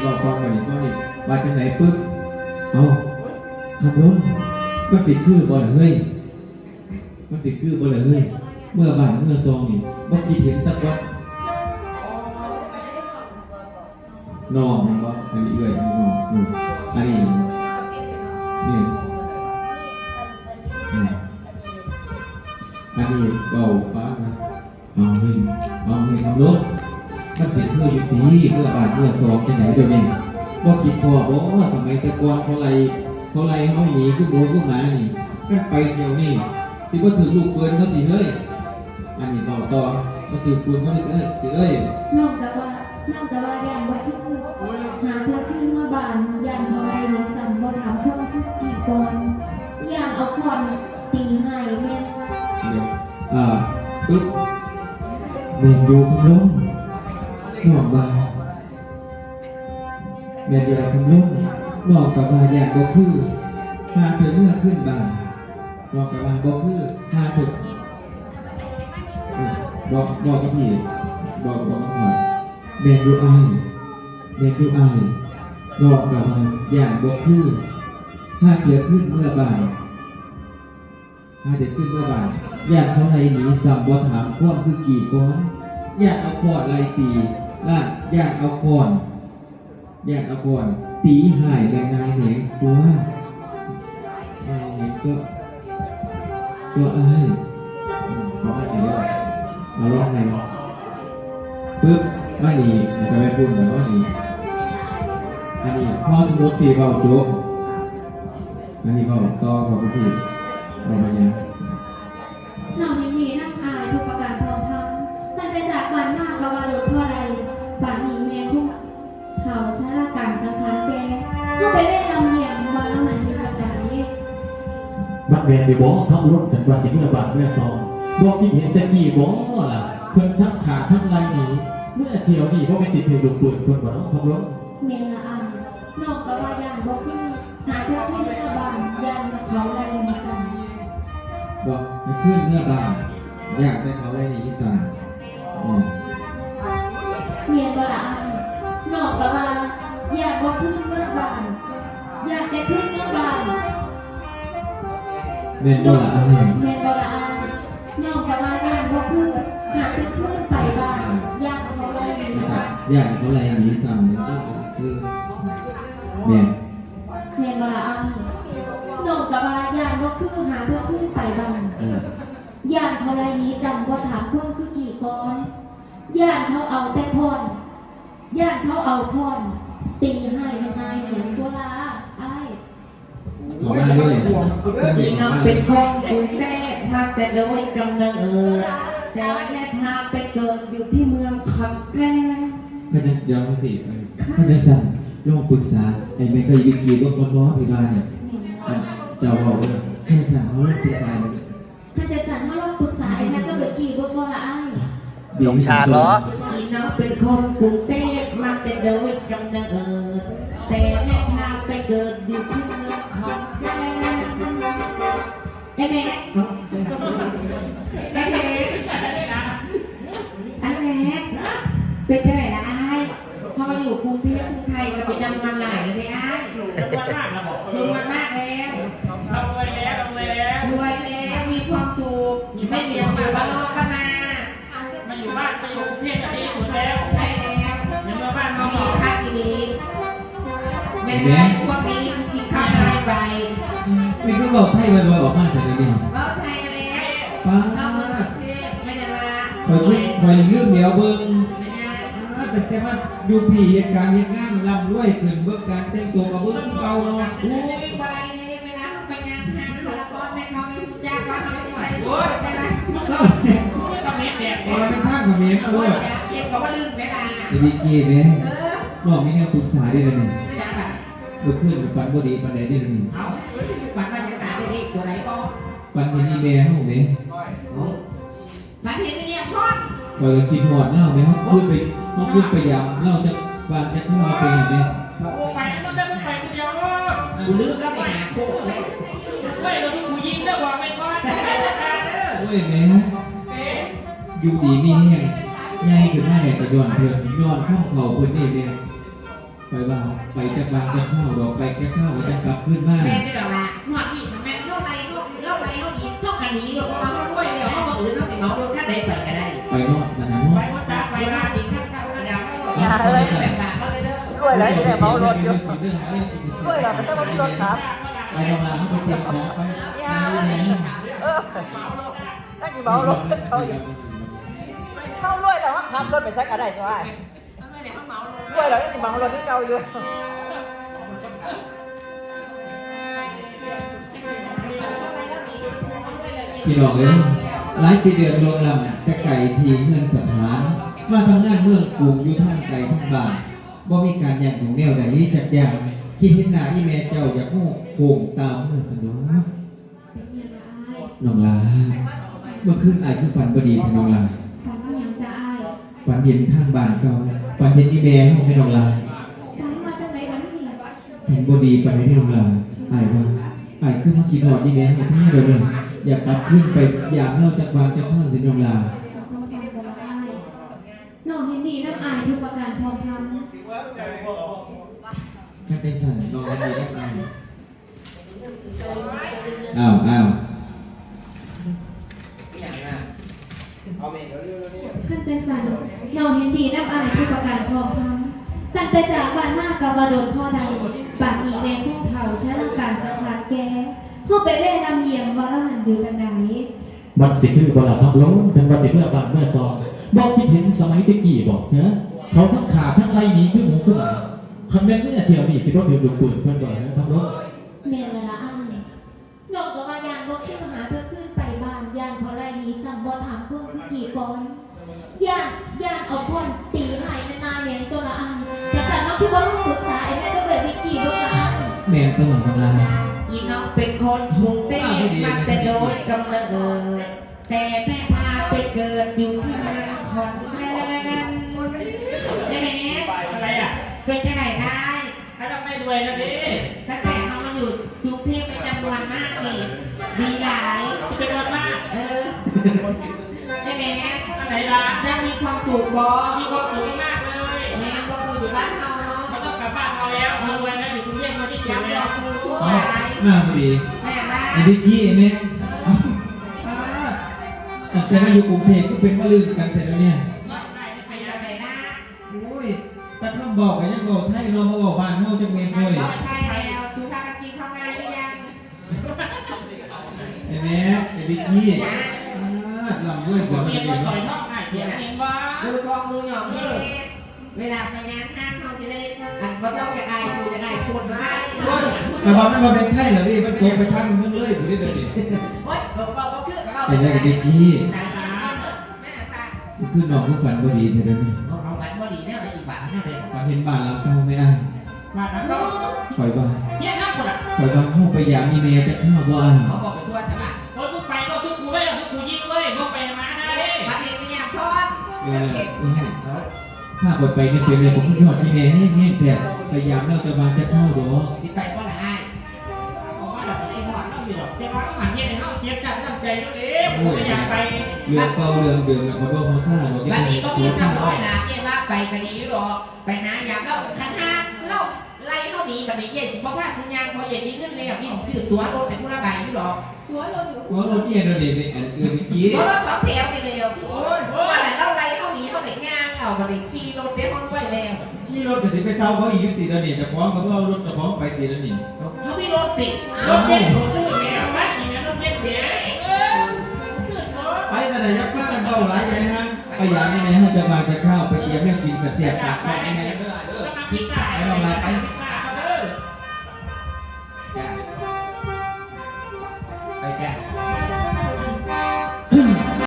บอกก่อนแบบนี้ก็นี่มาจากไหนปึ๊บเอาคำล้นมันติดคือบ่ล่ะเฮ้ยมันติดคือบ่ล่ะเฮ้ยเมื่อบ่ายเมื่อซองนี่บ่คิดเห็นตะกอนนองมันบ่อันนี้เอ้ยนองอันนี้เนี่ยอันนี้เบาป้านะเอาให้คำล้นมันสิคืออยู่ดีเมื่อบาทเมื่อซองที่ไหนเดี๋ยวนี้บ่คิดพอบ่ว่าสมัยแต่ก่อนเขาไล่เฮาหนีขึ้นโบขึ้นมานี่กันไปเที่ยวนี่สิบ่ถือลูกปืนเขาติเฮ้ยอันนี้เบาต่อมันถือปืนเขาเอ้ยนอกจากว่าย่านว่าคือหาเธอขึ้นมาบ้านย่านเท่าไรนี่สั่นบ่ถามเพิ่มคือกี่ก่อนย่านเอาคอนตีให้แม่เดี๋ยวปึ๊บเมนอยู่คำล้มนอกบาเมนอยู่คำล้มนอกกับบาอย่างบ่คือหาเธอเมื่อขึ้นบานนอกกับบาบ่คือหาเธอบอกกับพี่บอกกับพ่อเมนอยู่อายนอกกับบาอย่างบ่คือหาเธอขึ้นเมื่อบานอยากเขาไรหนีสัมบ่ถามความคือกี่ก้อนอยากเอาคอดไรตีล่ะอยากเอาก่อนตีหายแบงนายเหนตัวอ้ายเขาให้เดี๋ยวเอาลองไงปึ๊บว่านี่จะไม่พูดแต่ว่านี่อันนี้พ่อสมมติตีเบาโจ๊กอันนี้เบาต่อของพี่เราไปยังนอกจากนี้นักอายทุกประการพร้อมทั้งมันไปจากบ้านมากกว่าหลุดพ่อใดป่านนี้แม่ทุกเผาชะลาการสังขารแกก็ไปได้ลำเลียงวันแล้วมันอยู่จากไหนบัดแมนไปบอกทั้งรถแต่ว่าสิ่งระบาดเมื่อซองบอกกินเห็นแต่กี่บอกล่ะเพิ่นทั้งขาทั้งไรหนีเมื่อเที่ยวนี่เพราะเป็นจิตถือลูกปืนคนบ่น้องทั้งรถเมนละอายนอกจากว่าย่านบ่คือหาเธอขึ้นมาบ้านย่านเขาไรนี่สั่นบอกให้ขึ้นเมื่อบานอยากได้เขาไรในอีสานเมียบ่ละอายนอกจากว่าอยากบ่ขึ้นเมื่อบานอยากแต่ขึ้นเมื่อบานเมนบ่ละอายนอกจากว่าย่านบ่คือหาเธอขึ้นไปบ้านย่านเขาไรนี่สั่นอยากเขาไรในอีสานนี่คือเมนบ่ละอายนอกจากว่าย่านบ่คือหาเธอขึ้นไปบ้านย่านเขาไรนี้สั่นบ่ถามความคือกี่ก้อนย่านเขาเอาแต่พรตีให้ยังไงเห็นตัวลาไอ้ขอมาด้วยยิ่งเอาเป็นของกูแต่มาแต่โดยกำเนิดแต่แม่พาไปเกิดอยู่ที่เมืองขอนแก่นท่านย้อนสิท่านสั่งลองปรึกษาไอ้แม่เคยวิกีว่าคนร้อนไปบ้านเนี่ยเจ้าบอกว่าท่านสั่งเขาลองปรึกษาถ้าจะสั่งเขาลองปรึกษาไอ้แม่ก็วิกีว่าละไอ้ลงฉากเหรอยิ่งเอาเป็นคนกรุงเทพมาแต่โดยกำเนิดแต่แม่พาไปเกิดอยู่ที่เมืองขอนแก่นไอ้แม่เป็นที่ไหนนะไอ้พอมาอยู่กรุงเทพกรุงไทยก็ไปจำมันหลายเลยไอ้รวยมากแล้วรวยแล้วมีความสุขไม่เกี่ยวกับบ้านนอกบ้านนามาอยู่บ้านมาอยู่กรุงเทพดีสุดแล้วใช่แล้วยังมาบ้านเรามีค่าดีไม่ได้พวกนี้กินข้าวอะไรไปไม่ก็บอกไทยบ่อยๆออกมาจากนี้บอกไทยกันแล้วป้าเราเมืองกรุงเทพไม่ได้มาคอยเรื่องเดียวเบิ้งแต่ว่าอยู่ผีเหตุการณ์เหตุงานลำด้วยขึ้นเบิ้งการแต่งตัวกับเบิ้งที่เก่าเนาะอุ้ยไปเลยเวลาไปงานทางสารพัดแม่เขาไม่รู้จักว่าเขาไม่ใส่ชุดใช่ไหมเขาเม็ดแดดเราเป็นท่ากับเม็ดด้วยเย็นก็ว่าลืมเวลาจะดีเกย์ไหมบอกมีแนวปรึกษาได้เลยนี่เมื่อคืนฝันบดีปันใดได้เลยนี่ฝันว่าจะตายได้อีกตัวไหนก็ฝันเห็นนี่แม่ห้องไหนฝันเห็นไม่เนี่ยพ่อเราจะคิดหอดเล่าไหมครับขึ้นไปยำเล่าจะวางจะเข้ามาเป็นยังไงไปแล้วได้ไปคนเดียวก็กูลืมแล้วไปหาโค้งเลยไม่เราที่กูยิงแล้วบอกไม่ก่อนโอ้ยแม่อยู่ดีนี่แห้งใหญ่ขึ้นมาไหนแต่ย้อนเพื่อนย้อนข้องเขาเพื่อนนี่แม่ไปว่าไปจะบางจะเข้าดอกไปแค่เข้าก็จะกลับขึ้นมาแม่จะดอกละหนวดอีกแม่เท่าไรเขาดีเท่ากันนี้หรอกเพราะว่าเขาด้วยเดียวเขาบอกอื่นเขาสิเมาโดนขั้นใดไปก็ได้ไปนอกสนามนไปอกวัดจ้าไปเวนะลาสิงข้างเศร้าก็เดี๋ยวอย่าเอ้ยแบบปากเขาเลยเด้อด้วยแล้วจะได้เมารถอยู่เรื่องอะไรด้วยเราไม่ต้องรถครับไปทำงานเขาไปเตรียมของไปอย่าเลยเออนั่นกี่เมารถเขาอยู่เข้าด้วยแต่ว่าขับรถไปสักอะไรใช่ไหมทำไมเนี่ยเขาเมาลงด้วยเรายังกี่เมารถที่เก่าอยู่พี่น้องเอ้ยหลายปีเดือนลงลำแต่ไก่ทีเงินสถานมาทำงานเมืองกรุงอยู่ท่านไกลท่านบ้านบ่มีการแย่งของแนวใดจักอย่างคิดเห็นหน้าอีแม่เจ้าอยากโง่โกงตามเมื่อสนองเป็นเมียละอายน้องลาเมื่อคืนอายคือฝันบดีค่ะน้องลาฝันว่าหยังจะอายฝันเห็นทางบ้านเก่าฝันเห็นอีแม่ของแม่น้องลาฝันว่าจังไหนวันนี้เห็นบดีไปในน้องลาอายว่าอายขึ้นมากินหอดอีแม่ให้ที่เดียวเนี่ยอยากกลับขึ้นไปอยากเล่าจากวางจากข้างสิน้องลาต้องสั่งบ่ได้น้องเห็นดีน้ำอายทุกประการพร้อมพร้อมแค่ใจสั่นน้องดีได้ไปอ้าวขั้นใจสั่นน้องเห็นดีน้ำอายทุกประการพร้อมพร้อมตั้งแต่จากบ้านมากกับบาโดนพ่อใดปากอีเมลพวกเผาใช้ร่างการสังขารแกเข้าไปเร่นำเยียมว่าเราหันอยู่จังใดมันสิคือบลาทับล้มเป็นว่าสิเมื่อบ้านเมื่อซองบอกคิดเห็นสมัยตะกี้บอกเนอะเขาทั้งขาทั้งไรหนีขึ้นหมูขึ้นมาคำแม่นเมื่อเที่ยวนี่สิก็ถือลูกปืนเพื่อนก่อนนะครับล้มแม่ละอ้ายน้องก็ว่ายางบ่คือหาเธอขึ้นไปบ้านยางเขาไรนี้สั่งบ่ถามเพิ่มคือกี่ก่อนยางเอาคนตีหายนานๆเนี่ยตัวละอ้ายแต่สั่งน้องที่บ่ต้องปรึกษาไอ้แม่ก็แบบวิกี้บ่ละอ้ายแม่ตลอดน้องลาอีน้องเป็นคนกรุงเทพมาแต่โดยกำเนิดแต่แม่พาไปเกิดอยู่ที่เมืองขอนแก่นใช่ไหมอะไรอ่ะเป็นที่ไหนได้ให้เราไม่รวยนะดิตั้งแต่เขามาอยู่กรุงเทพเป็นจำนวนมากนี่ดีหลายจำนวนมากใช่ไหมอันไหนล่ะจะมีความสุขบ่มีความสุขมากเลยแม่ก็คืออยู่บ้านเขาเนาะไม่ต้องกลับบ้านเราแล้วเรารวยนะอยู่กรุงเทพมาที่สุยัดงแล้รอวครูทั่วอ๋อไปมาพอดีแม่บ้าไอ้พี่กี้แม่แต่มาอยู่กรุงเทพก็เป็นมะลืมกันแต่แล้วเนี่ยไปยังไงนะโอ้ยแต่คำบอกกันยังบอกไทยนอนมาบอกบ้านเฮาจังเมนเลยตอนไทยแล้วสุภาพกินเข้าง่ายหรือยังไอ้แม่ไอ้พี่กี้ลำด้วยเกิดมาเมียเดีมายวต่อยเนาะนอกหายเปียกเองวะดูกองดูหยองเเวลาไปงานห้างเขาจะได้อันก็ต้องจะได้ดูจะได้คนไว้แต่ว่ามันมาเป็นไทยเหรอพี่มันตกไปทางเมืองเลยผมได้เดี๋ยวนี้โอ๊ยบอกว่าคือกับเราไอ้แม่กับพี่กี้ตาตาแม่ตาคือน้องผู้ฝันบ่ดีแต่เดี๋ยวนี้เอากันบ่ดีเนี่ยไปอีกบ้านเนี่ยไปฝันเห็นบ้านเราเก่าไม่อ้ายมาแล้วก็คอยบ้านเยี่ยมมากกว่าคอยบ้านเฮาไปยามอีเมลจะเข้าบ่อ้ายเขาบอกไปทั่วจังหวัดโอ้ยกูไปก็ทุกกูเลยทุกกูยิงเลยพวกไปมาได้เลยประเด็นเป็นอย่างทอดถ้าอดไปเนี่ยเป็นเลยผมก็ยอดอีเมลให้เงี้ยแต่พยายามเราจะมาจะเข้าดอกสิไปก็ได้อ๋อเราไม่ได้หอดเราอยู่หรอกจะมาต้องหันเยี่ยมในห้องเจี๊ยบจับน้ำใจตัวเองกูไม่อยากไปเรื่องเก่าเรื่องเดิมเขาบอกเขาซ่าบอกวันนี้ก็มีซ้ำร้อยละเย่ว่าไปกันดีหรอกไปหาอยากเล่าคันห้าเล่าไล่เข้าหนีแบบนี้เย่สิบว่าสัญญาณพอเย่มีเงินเลยพี่ซื้อตั๋วรถเป็นผู้ระบายอยู่หรอกสวยรถอยู่เพราะรถเย็นเราเด็กในอันอื่นเมื่อกี้รถสองแถวนี่เร็วโอ้ยว่าแต่เล่าไล่เข้าหนีเขาไหนย่างเอามาดิขี่รถเดี๋ยวมันไปแล้วที่รถก็สิไปเช่าเขาอีกยุติแล้วนี่จะฟ้องกับเรารถจะฟ้องไปตีแล้วนี่เขามีรถติดรถเย็นรถชื่อแมวไหมอย่างนี้รถเย็นแมวชื่อรถไปแต่ไหนยักษ์ป้ากันเบาหลายไงฮะพยายามยังไงฮะจะมาจะเข้าไปเยี่ยมแม่กินเสียบปากไปยังไงเด้อต้องมาพิจารไปณาลองลาไปไ